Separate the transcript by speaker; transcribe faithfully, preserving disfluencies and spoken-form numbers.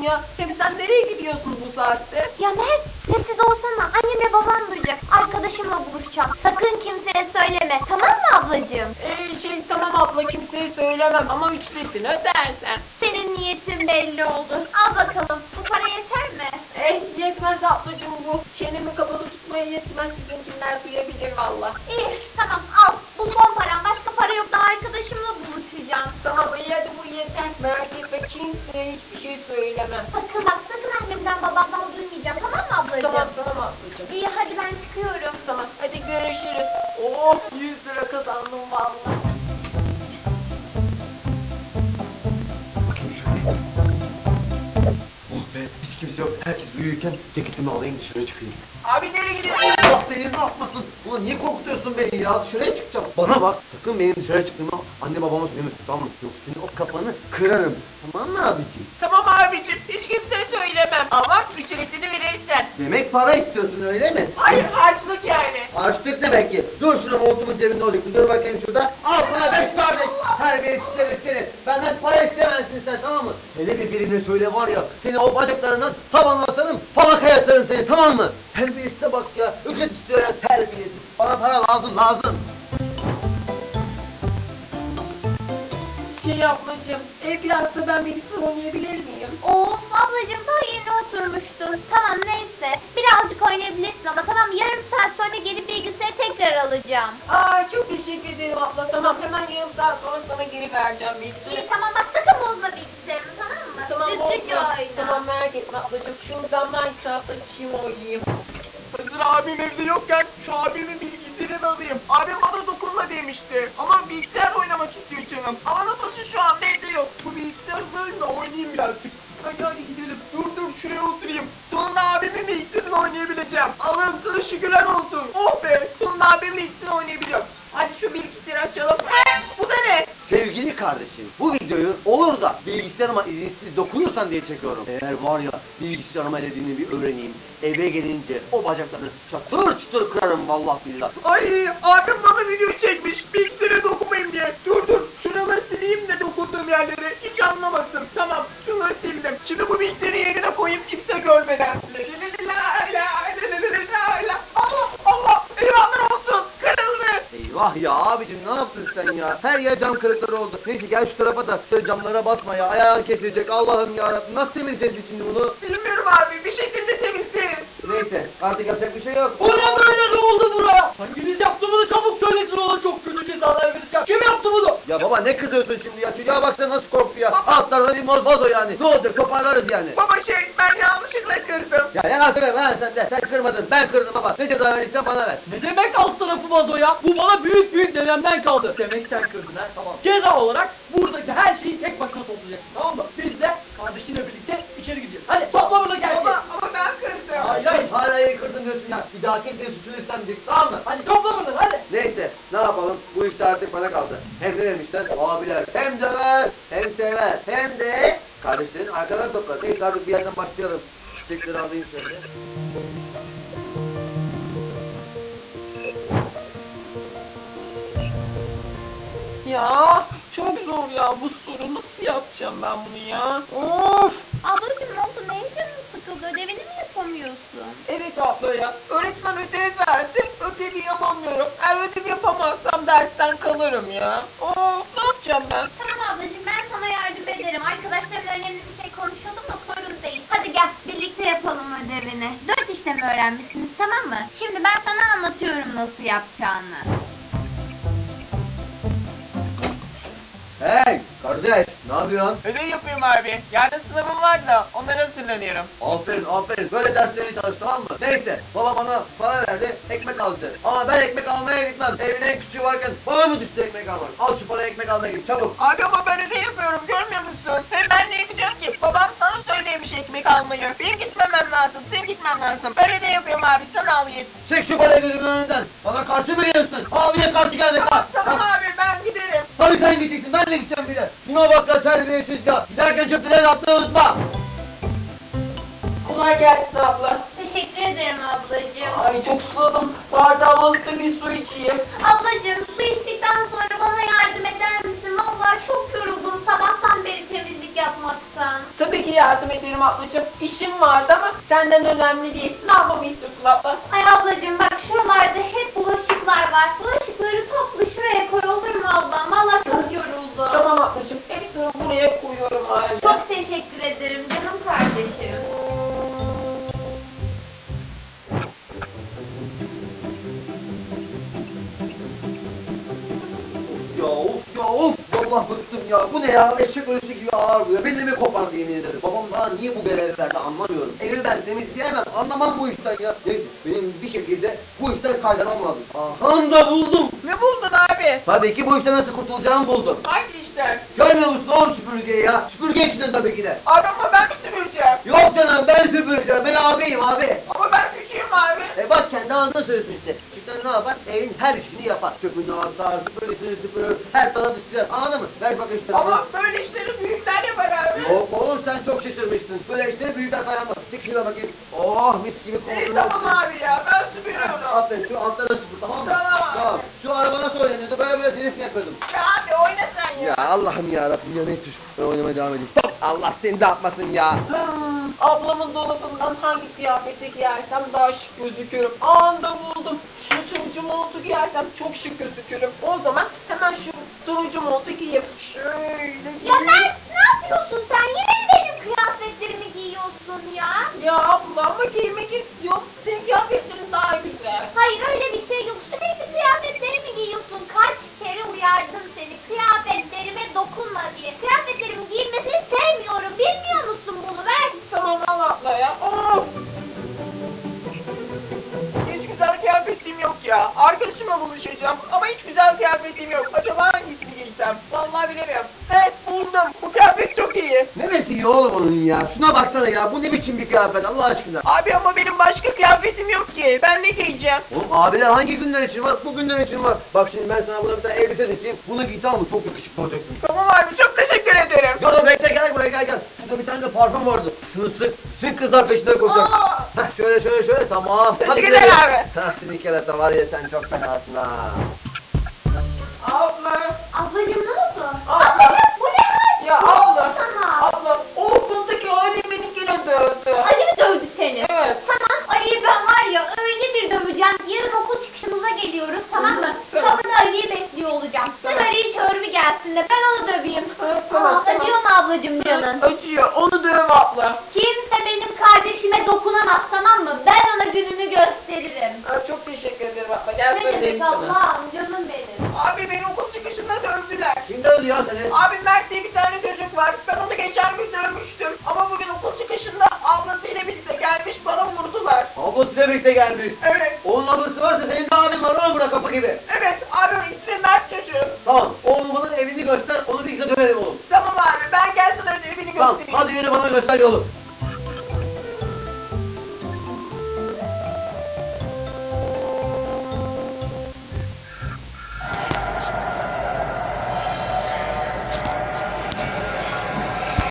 Speaker 1: ya? Hem sen nereye gidiyorsun bu saatte?
Speaker 2: Ya Mert, sessiz olsana. Annemle babam duyacak. Arkadaşımla buluşacağım. Sakın kimseye söyleme. Tamam mı ablacığım?
Speaker 1: Ee, şey tamam abla, kimseye söylemem ama üçlüsünü ödersen.
Speaker 2: Senin niyetin belli oldu. Al bakalım. Bu para yeter mi?
Speaker 1: Eh yetmez ablacığım bu. Çenemi kapalı tutmaya yetmez, bizimkiler duyabilir valla.
Speaker 2: İyi, tamam al. Bu son param. Başka para yok. Daha arkadaşımla buluşacağım.
Speaker 1: Tamam iyi, hadi bu yeter. Merak etme, kimseye hiçbir şey söylemem.
Speaker 2: Sakın bak, sakın annemden babamdan duymayacağım. Tamam mı ablacığım?
Speaker 1: Tamam tamam ablacığım.
Speaker 2: İyi, hadi ben çıkıyorum.
Speaker 1: Tamam hadi görüşürüz. Oh yüz lira kazandım valla.
Speaker 3: Bakayım şöyle. Oh be, hiç kimse yok. Herkes uyurken ceketimi alayım, dışarı çıkayım.
Speaker 1: Abi nereye gidiyorsun?
Speaker 3: Allah seni ne yapmasın? Ulan niye korkutuyorsun beni ya? Dışarıya çıkacağım. Bana bak, sakın benim dışarı çıktığımı anne babama söylemesin, tamam mı? Yoksa senin o kafanı kırarım. Tamam mı abiciğim?
Speaker 1: Tamam abicim, hiç kimseye söylemem ama ücretini verirsen.
Speaker 3: Demek para istiyorsun öyle mi?
Speaker 1: Hayır, harçlık yani.
Speaker 3: Harçlık demek ki. Dur şuna, montumun cebinde olacak. Dur bakayım şurada. Al sana beş kardeş. Terbiyesiz herif seni. Benden para istemezsin sen, tamam mı? Hele bir birine söyle var ya. Seni o bacaklarından tavanla asarım. Falaka yatırırım seni, tamam mı? Terbiyesize bak ya. Ücret istiyor ya, terbiyesiz. Bana para lazım lazım.
Speaker 1: Şey ablacığım, e, biraz da ben bilgisayar oynayabilir miyim?
Speaker 2: Of ablacığım, daha yeni oturmuştun. Tamam neyse. Birazcık oynayabilirsin ama tamam, yarım saat sonra gelip bilgisayarı tekrar alacağım.
Speaker 1: Aa çok teşekkür ederim abla. Tamam, hemen yarım saat sonra sana geri vereceğim bilgisayarı.
Speaker 2: İyi tamam, bak sakın bozma bilgisayarımı, tamam mı?
Speaker 1: Tamam
Speaker 2: Düzgünce
Speaker 1: olsun.
Speaker 2: oyna.
Speaker 1: Tamam merak etme ablacığım. Şuradan Minecraft açayım, oynayayım.
Speaker 4: Hazır abim evde yokken şu abimin bilgisayarını alayım. Abim bana dokunma demişti. Ama bilgisayar oynamak istiyor canım. Ama nasılsa şu anda evde yok. Bu bilgisayarı alayım da oynayayım birazcık. Hadi hadi gidelim. Dur dur şuraya oturayım. Sonunda abimin bilgisayarını oynayabileceğim. Allah'ım sana şükürler olsun. Oh be, sonunda abimin bilgisayarını oynayabiliyorum. Hadi şu bilgisayarı açalım. He, bu da ne?
Speaker 3: Sevgili kardeşim, bu videoyu olur da bilgisayarıma izinsiz dokunursan diye çekiyorum. Eğer var ya, bilgisayarıma elediğini bir öğreneyim. Eve gelince o bacaklarını çatır çatır kırarım vallahi billah.
Speaker 4: Ay abim bana video çekmiş bilgisayara dokunmayayım diye. Dur dur şuraları sileyim de dokunduğum yerleri hiç anlamasın. Tamam şunları sildim. Şimdi bu bilgisayarı yerine koyayım kimse görmeden. La la la la la la la la. Allah Allah eyvallah olsun kırıldı.
Speaker 3: Eyvah ya abicim, ne yaptın sen ya? Her yer cam kırıkları oldu. Neyse gel şu tarafa da şöyle camlara basma ya. Ayağın kesilecek, Allah'ım yarabbim. Nasıl temizleyeceğiz şimdi bunu?
Speaker 4: Bilmiyorum abi bir şekilde temizleriz.
Speaker 3: Neyse artık yapacak bir şey yok.
Speaker 5: O ne böyle, ne oldu buraya? Hanginiz yaptı bunu, çabuk söylesin, ona çok kötü cezalar vereceğim. Kim yaptı bunu?
Speaker 3: Ya baba ne kızıyorsun şimdi ya? Çocuğa baksana nasıl korktu ya. Alt tarafı bir moz vazo yani. Ne olacak, toparlarız yani.
Speaker 4: Baba şey ben yanlışlıkla kırdım.
Speaker 3: Ya yalan söyleme lan sen de. Sen kırmadın, ben kırdım baba. Ne ceza verirsen bana ver.
Speaker 5: Ne demek alt tarafı vazo ya? Bu bana büyük büyük dedemden kaldı. Demek sen kırdın ha, tamam. Ceza olarak buradaki her şeyi tek başına toplayacaksın, tamam mı? Biz de kardeşinle birlikte içeri gideceğiz. Hadi topla buradaki her şeyi.
Speaker 4: Baba ama ben kırdım.
Speaker 5: Hayır hayır.
Speaker 3: Hey, hala iyi kırdın diyorsun ya. Bir daha kimsenin suçunu üstlenmeyeceksin, tamam mı?
Speaker 5: Hadi topla buradan hadi.
Speaker 3: Neyse ne yapalım, bu işte artık bana kaldı. Hem ne demişler abiler, hem döver hem sever hem de kardeşlerin arkadan toplar. Neyse artık bir yerden başlayalım. Şu çiçekleri alayım şöyle.
Speaker 1: Ya çok zor ya bu soru. Nasıl yapacağım ben bunu ya? Of!
Speaker 2: Ablacığım ne oldu? Neyin canın sıkıldı? Ödevini mi yapamıyorsun?
Speaker 1: Evet abla ya. Öğretmen ödev verdi. Ödevi yapamıyorum. Eğer ödev yapamazsam dersten kalırım ya. Of, ne yapacağım ben?
Speaker 2: Tamam ablacığım, ben sana yardım ederim. Arkadaşlarımla önemli bir şey konuşuyordum da sorun değil. Hadi gel birlikte yapalım ödevini. Dört işlemi öğrenmişsiniz, tamam mı? Şimdi ben sana anlatıyorum nasıl yapacağını.
Speaker 3: Hey kardeş, ne yapıyorsun?
Speaker 4: Ödev yapıyorum abi. Yarın sınavım var da onlara hazırlanıyorum.
Speaker 3: Aferin aferin, böyle derslerine çalış, tamam mı? Neyse baba bana para verdi, ekmek al dedi. Ama ben ekmek almaya gitmem. Evin en küçüğü varken bana mı düştü ekmek almak? Al şu parayı, ekmek almaya git çabuk.
Speaker 4: Abi ama ben ödev yapıyorum görmüyor musun? Hem ben niye gidiyorum ki? Babam sana söylemiş ekmek almayı. Benim gitmemem lazım. Senin gitmen lazım. Ben ödev yapıyorum abi. Sen al yet.
Speaker 3: Çek şu parayı gözümün önünden. Bana karşı mı geliyorsun? Abiye karşı gelme bak.
Speaker 4: Tamam abi ben giderim.
Speaker 3: Tabii sen gideceksin, ben de gideceğim bir de. Şuna bak ya, terbiyesiz ya. Giderken çöpleri atmayı unutma.
Speaker 1: Kolay gelsin abla.
Speaker 2: Teşekkür ederim ablacığım.
Speaker 1: Ay çok susadım. Bardağımı alıp da bir su içeyim.
Speaker 2: Ablacığım su içtikten sonra bana yardım eder misin? Vallahi çok yoruldum sabahtan beri temizlik yapmaktan.
Speaker 1: Tabii ki ki yardım ederim ablacığım. İşim vardı ama senden önemli değil. Ne yapmamı istiyorsun abla?
Speaker 2: Ay ablacığım bak şuralarda hep bulaşıklar var. Bulaşıkları topla şuraya koy olur mu ablam? Valla çok yoruldu.
Speaker 1: Tamam ablacığım. Hepsini buraya koyuyorum halde.
Speaker 2: Çok teşekkür ederim canım kardeşim.
Speaker 3: Ya of ya of. Vallahi bıktım ya. Bu ne ya? Eşek ölüsü gibi ağır bu ya. Belimi kopardı yemin ederim. Babam bana niye bu görevi verdi anlamıyorum. Evi ben temizleyemem. Anlamam bu işten ya. Neyse benim bir şekilde bu işten kaydanmam lazım. Aha da buldum.
Speaker 4: Ne buldun abi?
Speaker 3: Tabii ki bu işten nasıl kurtulacağımı buldum.
Speaker 4: Hangi işten?
Speaker 3: Görmüyor musun oğlum süpürgeyi ya? Süpürge içinden tabii ki de.
Speaker 4: Abi ama ben mi süpüreceğim?
Speaker 3: Yok canım ben süpüreceğim. Ben abiyim abi.
Speaker 4: Ama ben küçüğüm abi.
Speaker 3: E bak kendi ağzına söylüyorsun işte. Küçükten ne yapar? Evin her işini yapar. Çöpünü atar, süpürgesini süpürür, her tarafa düşürür. Anladın mı? Ver bak işte.
Speaker 4: Ama böyle işleri büyükler yapar abi.
Speaker 3: Yok oğlum sen çok şaşırmışsın. Böyle işte büyükler dayanmaz. Çek şuna bakayım. Oh mis gibi
Speaker 4: İyi
Speaker 3: kokuyor.
Speaker 4: tamam abi ya ben süpürüyorum.
Speaker 3: Aferin şu altlara süpür tamam mı?
Speaker 4: Tamam.
Speaker 3: Tamam. Şu araba nasıl oynanıyordu? Böyle böyle drift mi yapıyordum?
Speaker 4: Ya abi oyna sen ya.
Speaker 3: Ya Allah'ım ya Rabbim ya neyse ben oynamaya devam edeyim. Allah seni de atmasın ya.
Speaker 1: Hmm, ablamın dolabından hangi kıyafeti giyersem daha şık gözükürüm. Anda buldum. Şu turuncu montu giyersem çok şık gözükürüm. O zaman hemen şu turuncu montu giyeyim. Şöyle
Speaker 2: Ya
Speaker 1: giyeyim.
Speaker 2: Mert ne yapıyorsun sen? Yine mi benim kıyafetlerimi giyiyorsun ya?
Speaker 1: Ya abla ama giymek istiyorum. Senin kıyafetlerin daha güzel.
Speaker 2: Hayır öyle bir şey yok. Sürekli kıyafetlerimi giyiyorsun. Kaç kere uyardım seni kıyafetlerime dokunma diye. Kıyafetlerimin giyilmesini sevmiyorum. Bilmiyor musun bunu? Ver.
Speaker 1: Tamam al abla ya. Of.
Speaker 4: Hiç güzel kıyafetim yok ya. Arkadaşımla buluşacağım ama hiç güzel kıyafetim yok. Acaba hangisini giysem? Vallahi bilemiyorum. He buldum. Bu kıyafet çok iyi.
Speaker 3: Neresi iyi oğlum onun ya? Şuna baksana ya. Bu ne biçim bir kıyafet Allah aşkına?
Speaker 4: Abi ama benim başka kıyafetim yok ki. Ben ne giyeceğim?
Speaker 3: Oğlum abiler hangi günler için var? Bu günler için var. Bak şimdi ben sana buna bir tane elbise seçeyim. Bunu giy tamam mı? Çok yakışıklı olacaksın.
Speaker 4: Tamam abi çok teşekkür ederim.
Speaker 3: Dur dur bekle gel buraya gel gel. Şurada bir tane de parfüm vardı. Şunu sık. Bütün kızlar peşinden koşacak.
Speaker 4: Aa!
Speaker 3: Heh şöyle şöyle şöyle tamam.
Speaker 4: Teşekkür
Speaker 3: gidelim.
Speaker 4: ederim abi.
Speaker 3: Heh senin kerata var ya sen çok fenasın ha.
Speaker 1: Abla.
Speaker 2: Ablacığım ne oldu?
Speaker 1: Abla.
Speaker 2: Ablacığım bu ne hal?
Speaker 1: Ya
Speaker 2: Ne oldu
Speaker 1: abla.
Speaker 2: sana?
Speaker 1: Abla o okuldaki Ali beni yine dövdü.
Speaker 2: Ali mi dövdü seni?
Speaker 1: Evet.
Speaker 2: Tamam Ali'yi ben var ya öyle bir döveceğim. Yarın okul çıkışımıza geliyoruz tamam mı?
Speaker 1: Tamam.
Speaker 2: Kapıda Ali'yi bekliyor olacağım. Sen
Speaker 1: Tamam.
Speaker 2: Ali'yi çağır bir gelsin de ben onu döveyim.
Speaker 1: Evet, tamam,
Speaker 2: Aa,
Speaker 1: tamam.
Speaker 2: acıyor mu ablacığım canım?
Speaker 1: Acıyor. Onu döv abla.
Speaker 2: Kimse benim kardeşime dokunamaz tamam mı? Ben ona gününü gösteririm.
Speaker 1: Ha, çok teşekkür ederim abla. Gel
Speaker 2: Ne
Speaker 1: sarılayım
Speaker 2: demek
Speaker 1: sana.
Speaker 2: Allah'ım canım benim.
Speaker 4: Abi beni okul çıkışında dövdüler.
Speaker 3: Kim dövdü ya seni?
Speaker 4: Abi Mert diye bir tane çocuk var. Ben onu geçen gün dövmüştüm. Ama bugün okul çıkışında ablasıyla birlikte gelmiş bana vurdular.
Speaker 3: Ablasıyla birlikte gelmiş.
Speaker 4: Evet.
Speaker 3: Onun ablası varsa senin de abin var oğlum bura kapı gibi.
Speaker 4: Evet abi o ismi Mert çocuğu.
Speaker 3: Tamam. Oğlum bana evini göster. Onu bir güzel dövelim oğlum.
Speaker 4: Tamam abi ben gel sana evini
Speaker 3: Tamam.
Speaker 4: göstereyim.
Speaker 3: Hadi yürü bana göster yolu.